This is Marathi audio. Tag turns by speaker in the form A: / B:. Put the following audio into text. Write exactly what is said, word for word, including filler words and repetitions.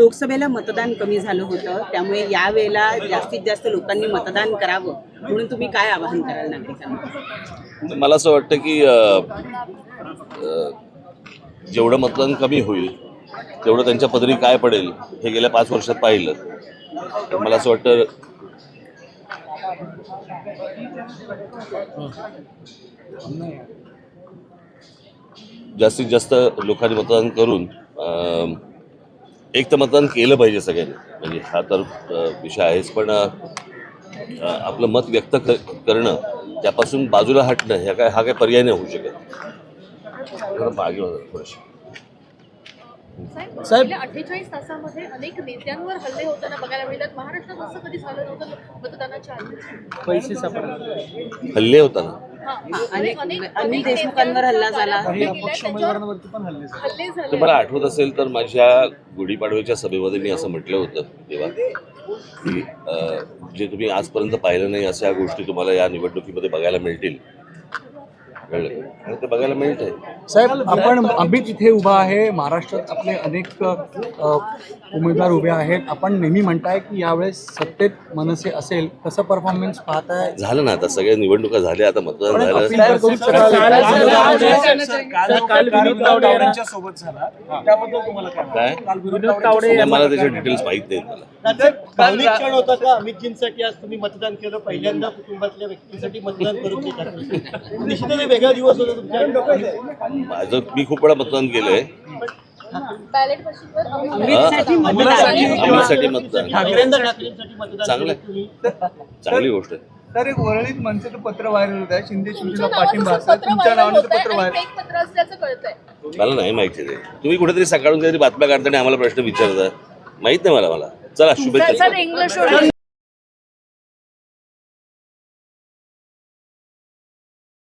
A: लोकसभेला मतदान कमी झालं होतं, त्यामुळे यावेळेला जास्तीत जास्त लोकांनी मतदान करावं म्हणून तुम्ही काय आवाहन कराल नागरिकांना?
B: मला असं वाटतं की अ, अ, जेवढं मतदान कमी होईल तेवढं त्यांच्या पदरी काय पडेल हे गेल्या पाच वर्षात पाहिलं. तर मला असं वाटतं जास्तीत जास्त लोकांनी मतदान करून अ, एक तर मतदान केलं पाहिजे सगळ्यांनी, म्हणजे हा तर अ, विषय आहेच, पण अ, आपलं मत व्यक्त क करणं त्यापासून बाजूला हटणं ह्या काय हा काय पर्याय नाही होऊ शकत. मागे होतं थोडंसं.
C: साहेब अठ्ठेचाळीस तासामध्ये अनेक नेत्यांवर हल्ले होताना बघायला मिळतात. महाराष्ट्रात असं कधी झालं नव्हतं मतदानाच्या आधी.
D: पैसे सापडले,
B: हल्ले होताना
C: हां,
A: अनेक
C: अनेक
A: अनिल देशमुखांवर हल्ला झाला.
D: काही अपक्ष उमेदवारांवरती पण हल्ले झाले.
C: हल्ले
B: तर
C: झाले.
B: मला आठवत असेल तर माझ्या गुढीपाडव्याच्या सभेमध्ये मी असं म्हटलं होतं तेव्हा की अ, जे तुम्ही आजपर्यंत पाहिलं नाही अशा गोष्टी तुम्हाला या निवडणुकीमध्ये बघायला मिळतील. कळलं? आणि ते बघायला मिळत आहे.
D: साहेब आपण आम्ही तिथे उभा आहे, महाराष्ट्रात आपले अनेक अ, उमेदवार उभे आहेत. आपण नेहमी म्हणताय की यावेळेस सत्तेत मनसे असेल, कसं परफॉर्मन्स पाहताय?
B: झालं ना, आता सगळ्या निवडणुका झाल्या, आता मतदान
D: पण
B: झालं.
D: अपील तर करू शकाल.
E: सोबत झाला त्याबद्दल तुम्हाला काय
B: काय नाही, मला त्याचे डिटेल्स माहित नाहीत मला.
F: भावनिक क्षण होता का अमितजींसाठी? आज तुम्ही मतदान केलं, पहिल्यांदा कुटुंबातल्या व्यक्तींसाठी मतदान करून देतात. निश्चितच वेगळा दिवस होता तुमच्या.
B: माझं मी खूप वेळा मतदान केलंय.
C: बॅलेट मशीनवर
A: अमितसाठी मतदान.
B: आम्हीसाठी मतदान
F: ठाकरेंदा ठाकरेंसाठी मतदान
B: चांगलं
F: केलं तुम्ही.
B: चांगली गोष्ट आहे.
E: तर एक वरळीत मनसेचं पत्र व्हायरल होत आहे, शिंदे
C: तुमच्या
E: शिवसेना
C: नावाचं
E: पाठिंबा
C: पत्र
E: असेल, तुमच्या
C: व्हायरल
E: नावानं
C: होतंय
E: पत्र
C: आणि
E: व्हायरल.
C: fake पत्र असल्याचं कळतंय.
B: मला नाही माहिती ते. तुम्ही कुठेतरी सकाळून काहीतरी बातम्या काढताना आम्हाला प्रश्न विचारता, माहित नाही मला. मला चला शुभेच्छा.
C: इंग्लिश